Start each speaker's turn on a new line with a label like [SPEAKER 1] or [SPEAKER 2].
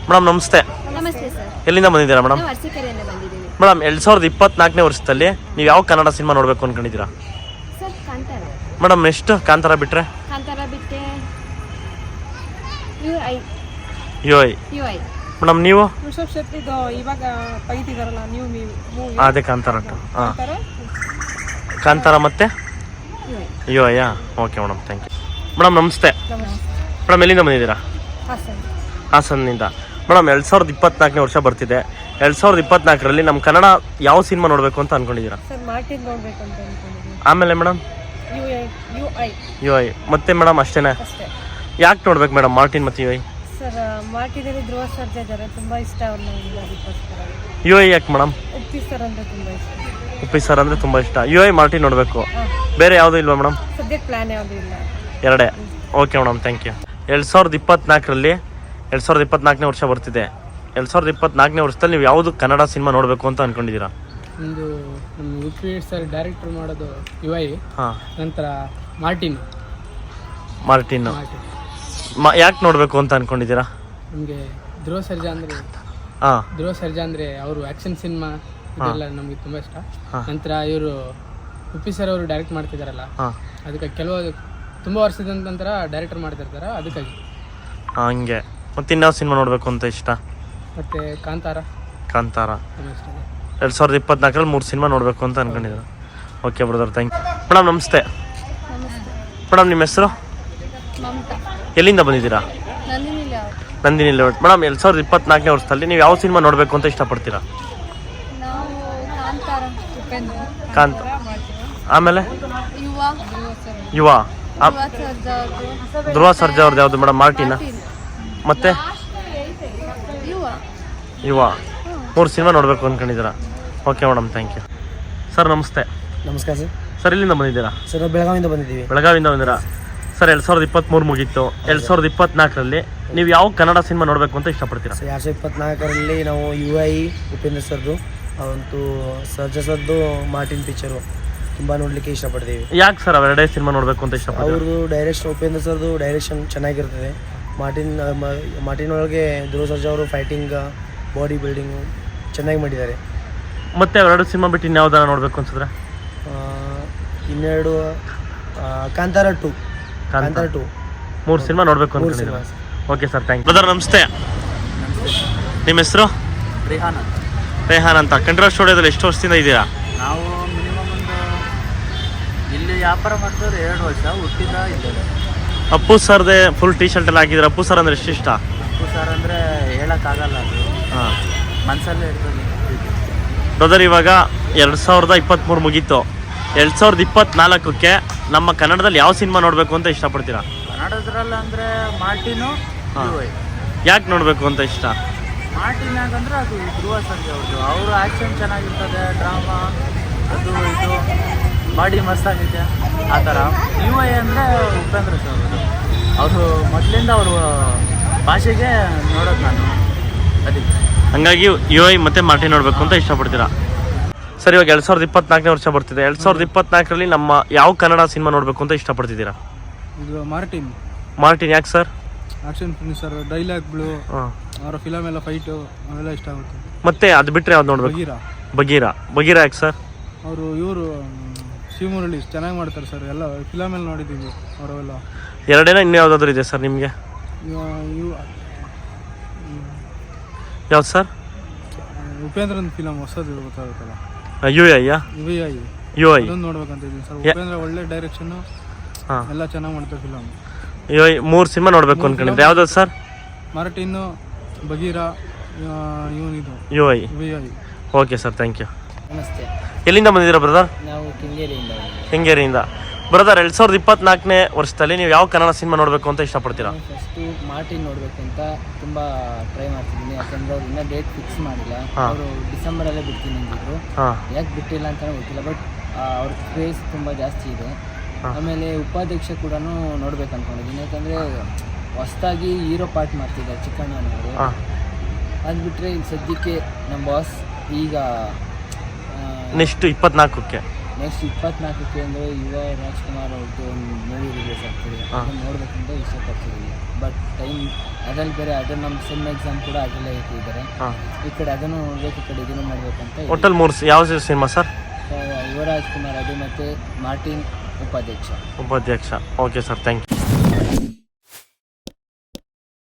[SPEAKER 1] Madam ನಮಸ್ತೆ.
[SPEAKER 2] ನಮಸ್ತೆ sir.
[SPEAKER 1] ಎಲ್ಲಿಂದ ಬಂದಿದ್ದೀರಾ ಮೇಡಮ್?
[SPEAKER 2] ನಾವು ಅರಸೀಕೆರೆಯಿಂದ ಬಂದಿದ್ದೀವಿ.
[SPEAKER 1] ಮೇಡಮ್ 2024ನೇ ವರ್ಷದಲ್ಲಿ ನೀವು ಯಾವ ಕನ್ನಡ ಸಿನಿಮಾ ನೋಡಬೇಕು ಅನ್ಕೊಂಡಿದ್ದೀರಾ?
[SPEAKER 2] Sir Kantara.
[SPEAKER 1] Madam next Kantara ಬಿಟ್ಟರೆ?
[SPEAKER 2] ಕಾಂತಾರ ಬಿಟ್ಟೆ
[SPEAKER 1] ಯು ಐ. ಮೇಡಮ್ ನೀವು?
[SPEAKER 3] ಋಷಭ್ ಶೆಟ್ಟಿದು ಇವಾಗ ತೆಗಿತಿದಾರಲ್ಲ ನ್ಯೂ ಮೂವಿ.
[SPEAKER 1] ಅದೇ ಕಾಂತಾರ. ಹಾಂ, ಕಾಂತಾರ ಮತ್ತೆ ಯು ಐಯಾ? Okay madam, thank you. Madam ನಮಸ್ತೆ. ಮೇಡಮ್ ಎಲ್ಲಿಂದ ಬಂದಿದ್ದೀರಾ? ಹಾಸನ್ನಿಂದ. ಮೇಡಮ್ 2024ನೇ ವರ್ಷ ಬರ್ತಿದೆ. 2024ರಲ್ಲಿ ನಮ್ಮ ಕನ್ನಡ ಯಾವ ಸಿನಿಮಾ ನೋಡಬೇಕು ಅಂತ ಅನ್ಕೊಂಡಿದ್ದೀರಾ?
[SPEAKER 3] ಸರ್ ಮಾರ್ಟಿನ್ ನೋಡ್ಬೇಕು ಅಂತ ಅನ್ಕೊಂಡಿದ್ದೀನಿ.
[SPEAKER 1] ಆಮೇಲೆ ಮೇಡಮ್ ಯು ಐ ಮತ್ತೆ ಮೇಡಮ್ ಅಷ್ಟೇನಾ?
[SPEAKER 3] ಅಷ್ಟೇ.
[SPEAKER 1] ಯಾಕೆ ನೋಡ್ಬೇಕು ಮೇಡಮ್ ಮಾರ್ಟಿನ್ ಮತ್ತು ಯು ಐ?
[SPEAKER 3] ಸರ್ ಮಾರ್ಟಿನಲ್ಲಿ ಧ್ರುವ ಸರ್ಜಾ ಇದ್ದಾರೆ, ತುಂಬಾ ಇಷ್ಟ ಅವ್ರನ್ನ. ಅದಕ್ಕೋಸ್ಕರ.
[SPEAKER 1] ಯು ಐ ಯಾಕೆ ಮೇಡಮ್?
[SPEAKER 3] ಉಪ್ಪಿ ಸರ್ ಅಂದ್ರೆ ತುಂಬಾ ಇಷ್ಟ.
[SPEAKER 1] ಉಪ್ಪಿ ಸರ್ ಅಂದರೆ ತುಂಬ ಇಷ್ಟ. ಯು ಐ ಮಾರ್ಟಿನ್ ನೋಡಬೇಕು, ಬೇರೆ ಯಾವುದೂ ಇಲ್ವಾ ಮೇಡಮ್?
[SPEAKER 3] ಸದ್ಯಕ್ಕೆ ಪ್ಲಾನ್ ಯಾವುದೂ ಇಲ್ಲ.
[SPEAKER 1] ಎರಡೇ? Okay madam, thank you. 2024ರಲ್ಲಿ 2024ನೇ ವರ್ಷ ಬರ್ತಿದೆ. 2024ನೇ ವರ್ಷದಲ್ಲಿ ನೀವು ಯಾವುದು ಕನ್ನಡ ಸಿನಿಮಾ ನೋಡಬೇಕು ಅಂತ ಅನ್ಕೊಂಡಿದ್ದೀರಾ?
[SPEAKER 4] ಒಂದು ನಮ್ಮ ಉಪ್ಪಿ ಸರ್ ಡೈರೆಕ್ಟರ್ ಮಾಡೋದು ಯು ಐ.
[SPEAKER 1] ಹಾಂ.
[SPEAKER 4] ನಂತರ ಮಾರ್ಟಿನ್.
[SPEAKER 1] ಯಾಕೆ ನೋಡಬೇಕು ಅಂತ ಅನ್ಕೊಂಡಿದ್ದೀರಾ?
[SPEAKER 4] ನಮಗೆ ಧ್ರುವ ಸರ್ಜಾ ಅಂದರೆ
[SPEAKER 1] ಹಾಂ,
[SPEAKER 4] ಧ್ರುವ ಸರ್ಜಾ ಅಂದರೆ ಅವರು ಆ್ಯಕ್ಷನ್ ಸಿನಿಮಾ ಇದೆಲ್ಲ ನಮಗೆ ತುಂಬ ಇಷ್ಟ. ನಂತರ ಇವರು ಉಪ್ಪಿ ಸರ್ ಅವರು ಡೈರೆಕ್ಟ್ ಮಾಡ್ತಿದ್ದಾರಲ್ಲ, ಅದಕ್ಕೆ ತುಂಬ ವರ್ಷದ ನಂತರ ಡೈರೆಕ್ಟರ್ ಮಾಡ್ತಿರ್ತಾರೆ, ಅದಕ್ಕಾಗಿ.
[SPEAKER 1] ಹಂಗೆ. ಮತ್ತೆ ಇನ್ಯಾವ ಸಿನಿಮಾ ನೋಡಬೇಕು ಅಂತ ಇಷ್ಟ?
[SPEAKER 4] ಮತ್ತು ಕಾಂತಾರ ತುಂಬ ಇಷ್ಟ.
[SPEAKER 1] 2024ರಲ್ಲಿ 3 ಸಿನಿಮಾ ನೋಡಬೇಕು ಅಂತ ಅನ್ಕೊಂಡಿದ್ದೀರಾ? Okay brother, thank you. Madam ನಮಸ್ತೆ. ಮೇಡಮ್ ನಿಮ್ಮ ಹೆಸರು?
[SPEAKER 2] ಮಮತಾ.
[SPEAKER 1] ಎಲ್ಲಿಂದ ಬಂದಿದ್ದೀರಾ? ನಂದಿನಿ ಲೇಔಟ್. ಮೇಡಮ್ 2024ನೇ ವರ್ಷದಲ್ಲಿ ನೀವು ಯಾವ ಸಿನಿಮಾ ನೋಡಬೇಕು ಅಂತ ಇಷ್ಟಪಡ್ತೀರಾ?
[SPEAKER 2] ನಾವು ಕಾಂತಾರ.
[SPEAKER 1] ಕಾಂತ. ಆಮೇಲೆ ಯುವ. ಧ್ರುವ ಸರ್ಜಾ ಅವ್ರದ್ದು ಯಾವುದು ಮೇಡಮ್? ಮಾರ್ಟಿನಾ? ಮತ್ತೆ ಯುವ. 3 ಸಿನಿಮಾ ನೋಡಬೇಕು ಅಂದ್ಕೊಂಡಿದ್ದೀರಾ? Okay madam, thank you. Sir ನಮಸ್ತೆ.
[SPEAKER 5] ನಮಸ್ಕಾರ ಸರ್.
[SPEAKER 1] ಸರ್ ಎಲ್ಲಿಂದ ಬಂದಿದ್ದೀರಾ?
[SPEAKER 5] ಸರ್ ನಾವು ಬೆಳಗಾವಿಯಿಂದ ಬಂದಿದ್ದೀವಿ.
[SPEAKER 1] ಬೆಳಗಾವಿಯಿಂದ ಬಂದಿರಾ? ಸರ್ 2023 ಮುಗೀತು. 2024ರಲ್ಲಿ ನೀವು ಯಾವ ಕನ್ನಡ ಸಿನಿಮಾ ನೋಡಬೇಕು ಅಂತ ಇಷ್ಟಪಡ್ತೀರಾ?
[SPEAKER 5] ಸರ್ 2024ರಲ್ಲಿ ನಾವು ಯು ಐ ಉಪೇಂದ್ರ ಸರ್ದು ಅವಂತೂ ಸರ್ಜಾ ಸರ್ದು ಮಾರ್ಟಿನ್ ಪಿಕ್ಚರು ತುಂಬ ನೋಡಲಿಕ್ಕೆ ಇಷ್ಟಪಡ್ತೀವಿ.
[SPEAKER 1] ಯಾಕೆ ಸರ್ ಅವೆರಡೇ ಸಿನಿಮಾ ನೋಡಬೇಕು ಅಂತ ಇಷ್ಟಪಡ್ತೀವಿ?
[SPEAKER 5] ಅವ್ರದ್ದು ಡೈರೆಕ್ಷನ್, ಉಪೇಂದ್ರ ಸರ್ದು ಡೈರೆಕ್ಷನ್ ಚೆನ್ನಾಗಿರ್ತದೆ. ಮಾರ್ಟಿನ್ ಒಳಗೆ ಧ್ರುವ ಸರ್ಜಾ ಅವರು ಫೈಟಿಂಗ್, ಬಾಡಿ ಬಿಲ್ಡಿಂಗು ಚೆನ್ನಾಗಿ ಮಾಡಿದ್ದಾರೆ.
[SPEAKER 1] ಮತ್ತೆ ಅವೆರಡು ಸಿನಿಮಾ ಬಿಟ್ಟು ಇನ್ಯಾವುದಾರ ನೋಡಬೇಕು ಅನ್ಸಿದ್ರೆ?
[SPEAKER 5] ಇನ್ನೆರಡು ಕಾಂತಾರ 2.
[SPEAKER 1] 3 ಸಿನಿಮಾ ನೋಡಬೇಕು ಅನ್ಕೊಂಡಿದ್ದೀರಾ? Okay sir, thank you. Brother ನಮಸ್ತೆ. ನಿಮ್ಮ ಹೆಸರು? ರೇಹಾನ್ ಅಂತ. ಕಂಠೀರವ ಸ್ಟುಡಿಯೋದಲ್ಲಿ ಎಷ್ಟು ವರ್ಷದಿಂದ ಇದ್ದೀರಾ?
[SPEAKER 6] ನಾವು ಮಿನಿಮಮ್ ಇಲ್ಲಿ ವ್ಯಾಪಾರ ಮಾಡ್ತಾರೆ 2 ವರ್ಷ. ಹುಟ್ಟಿದ ಇದ್ದೇವೆ.
[SPEAKER 1] ಅಪ್ಪು ಸರ್ದೇ ಫುಲ್ ಟೀ ಶರ್ಟ್ ಎಲ್ಲ ಹಾಕಿದ್ರೆ. ಅಪ್ಪು ಸರ್ ಅಂದರೆ ಎಷ್ಟು ಇಷ್ಟ?
[SPEAKER 6] ಅಪ್ಪು ಸರ್ ಅಂದರೆ ಹೇಳೋಕ್ಕಾಗಲ್ಲ, ಅದು ಮನಸ್ಸಲ್ಲೇ ಇರ್ತದೆ.
[SPEAKER 1] ಬ್ರದರ್ ಇವಾಗ 2023 ಮುಗೀತು. 2024ಕ್ಕೆ ನಮ್ಮ ಕನ್ನಡದಲ್ಲಿ ಯಾವ ಸಿನಿಮಾ ನೋಡಬೇಕು ಅಂತ ಇಷ್ಟಪಡ್ತೀರಾ?
[SPEAKER 6] ಕನ್ನಡದ್ರಲ್ಲಿ ಅಂದರೆ ಮಾರ್ಟಿನು.
[SPEAKER 1] ಯಾಕೆ ನೋಡಬೇಕು ಅಂತ ಇಷ್ಟ?
[SPEAKER 6] ಮಾರ್ಟಿನ್ ಯಾಕಂದರೆ ಅದು ಧ್ರುವ ಸರ್ಜಾ ಅವ್ರದ್ದು. ಅವರು ಆ್ಯಕ್ಷನ್ ಚೆನ್ನಾಗಿರ್ತದೆ, ಡ್ರಾಮಾ ಅದು ಇದು ಬಾಡಿ ಮಸ್ತಾಗಿದೆ ಆ ಥರ. ಯು ಐ ಅಂದರೆ ಉಪೇಂದ್ರ ಸರ್ ಅವರು ಮೊದಲಿಂದ ಅವರು ಭಾಷೆಗೆ ನೋಡೋದು ನಾನು, ಅದಕ್ಕೆ.
[SPEAKER 1] ಹಂಗಾಗಿ ಯು ಐ ಮತ್ತು ಮಾರ್ಟಿನ್ ನೋಡಬೇಕು ಅಂತ ಇಷ್ಟಪಡ್ತೀರಾ? ಸರ್ ಇವಾಗ 2024ನೇ ವರ್ಷ ಬರ್ತಿದೆ. 2024ರಲ್ಲಿ ನಮ್ಮ ಯಾವ ಕನ್ನಡ ಸಿನಿಮಾ ನೋಡಬೇಕು ಅಂತ ಇಷ್ಟಪಡ್ತಿದ್ದೀರಾ?
[SPEAKER 4] ಇದು
[SPEAKER 1] ಮಾರ್ಟಿನ್ ಯಾಕೆ ಸರ್?
[SPEAKER 4] ಆಕ್ಷನ್ ಫಿಲ್ಮ್ ಸರ್, ಡೈಲಾಗ್ಗಳು, ಅವರ ಫಿಲಮ್ ಎಲ್ಲ ಫೈಟು ಅವೆಲ್ಲ ಇಷ್ಟ ಆಗುತ್ತೆ.
[SPEAKER 1] ಮತ್ತೆ ಅದು ಬಿಟ್ಟರೆ ಯಾವ್ದು ನೋಡಬೇಕು? ಬಗೀರಾ ಯಾಕೆ ಸರ್?
[SPEAKER 4] ಇವರು ಶಿವಮುರಳಿ ಚೆನ್ನಾಗಿ ಮಾಡ್ತಾರೆ ಸರ್. ಎಲ್ಲ ಫಿಲಮೆಲ್ಲ ನೋಡಿದ್ದೀವಿ ಅವರೆಲ್ಲ.
[SPEAKER 1] ಎರಡೇನ ಇನ್ನೂ ಯಾವುದಾದ್ರೂ ಇದೆ ಸರ್ ನಿಮಗೆ? ಯಾವ್ದು ಸರ್?
[SPEAKER 4] ಉಪೇಂದ್ರನ ಫಿಲಮ್ ಹೊಸದು ಗೊತ್ತಾಗುತ್ತಲ್ಲ,
[SPEAKER 1] ಯು ಐಯಾ? ಯು ಐ
[SPEAKER 4] ನೋಡ್ಬೇಕಂತ ಇದ್ದೀನಿ ಸರ್. ಉಪೇಂದ್ರ ಒಳ್ಳೆ ಡೈರೆಕ್ಷನ್ನು, ಎಲ್ಲ ಚೆನ್ನಾಗಿ ಮಾಡ್ತಾರೆ ಫಿಲಮ್.
[SPEAKER 1] ಯು ಐ 3 ಸಿನಿಮಾ ನೋಡಬೇಕು ಅನ್ಕೊಂಡಿದ್ದೆ. ಯಾವ್ದು ಸರ್?
[SPEAKER 4] ಮಾರ್ಟಿನ್ನು, ಬಗೀರಾ, ಇವನಿದು
[SPEAKER 1] U I. Okay sir, thank you. ನಮಸ್ತೆ. ಎಲ್ಲಿಂದ ಬಂದಿದ್ದೀರಾ ಬ್ರದರ್?
[SPEAKER 5] ನಾವು
[SPEAKER 1] ಕೆಂಗೇರಿಯಿಂದ. ಬ್ರದರ್ 2024ನೇ ವರ್ಷದಲ್ಲಿ ನೀವು ಯಾವ ಕನ್ನಡ ಸಿನಿಮಾ ನೋಡಬೇಕು ಅಂತ ಇಷ್ಟಪಡ್ತೀರಾ?
[SPEAKER 5] ಫಸ್ಟು ಮಾರ್ಟಿನ್ ನೋಡಬೇಕು ಅಂತ ತುಂಬ ಟ್ರೈ ಮಾಡ್ತಿದ್ದೀನಿ. ಯಾಕಂದರೆ ಅವ್ರು ಇನ್ನೂ ಡೇಟ್ ಫಿಕ್ಸ್ ಮಾಡಿಲ್ಲ. ಅವರು ಡಿಸೆಂಬರಲ್ಲೇ ಬಿಡ್ತೀನಿ ಅಂದಿದ್ರು. ಯಾಕೆ ಬಿಟ್ಟಿಲ್ಲ ಅಂತಲೇ ಗೊತ್ತಿಲ್ಲ, ಬಟ್ ಅವ್ರ ಕ್ರೇಜ್ ತುಂಬ ಜಾಸ್ತಿ ಇದೆ. ಆಮೇಲೆ ಉಪಾಧ್ಯಕ್ಷ ಕೂಡ ನೋಡ್ಬೇಕು ಅಂದ್ಕೊಂಡಿದ್ದೀನಿ. ಯಾಕಂದರೆ ಹೊಸದಾಗಿ ಹೀರೋ ಪಾರ್ಟ್ ಮಾಡ್ತಿದ್ದಾರೆ ಚಿಕ್ಕಣ್ಣನವರು. ಅದು ಬಿಟ್ಟರೆ ಇಲ್ಲಿ ಸದ್ಯಕ್ಕೆ ನಮ್ಮ ಬಾಸ್ ಈಗ
[SPEAKER 1] ನೆಕ್ಸ್ಟ್ 24ಕ್ಕೆ
[SPEAKER 5] ನೆಕ್ಸ್ಟ್ 24ಕ್ಕೆ ಅಂದರೆ ಯುವ ರಾಜ್ಕುಮಾರ್ ಅವ್ರದ್ದು ಒಂದು ಮೂವಿ ರಿಲೀಸ್ ಆಗ್ತಿದೆ ಅದನ್ನು ನೋಡಬೇಕಂತ ಇಷ್ಟಪಡ್ತಿದ್ದೀವಿ. ಬಟ್ ಟೈಮ್ ಅದ್ರಲ್ಲಿ ಬೇರೆ ಅದು ನಮ್ಮ ಸೆಮ್ ಎಕ್ಸಾಮ್ ಕೂಡ ಅದರಲ್ಲೇ ಇಟ್ಟಿದ್ದಾರೆ. ಈ ಕಡೆ ಅದನ್ನು ನೋಡಬೇಕು, ಈ ಕಡೆ ಇದನ್ನು ಮಾಡಬೇಕಂತ.
[SPEAKER 1] ಒಟ್ಟಲ್ಲಿ 3 ಯಾವ ಸಿನಿಮಾ ಸರ್?
[SPEAKER 5] ಯುವ ರಾಜ್ಕುಮಾರ್ ಅದು ಮತ್ತು Martin Upadhyaksha.
[SPEAKER 1] Okay sir, thank you.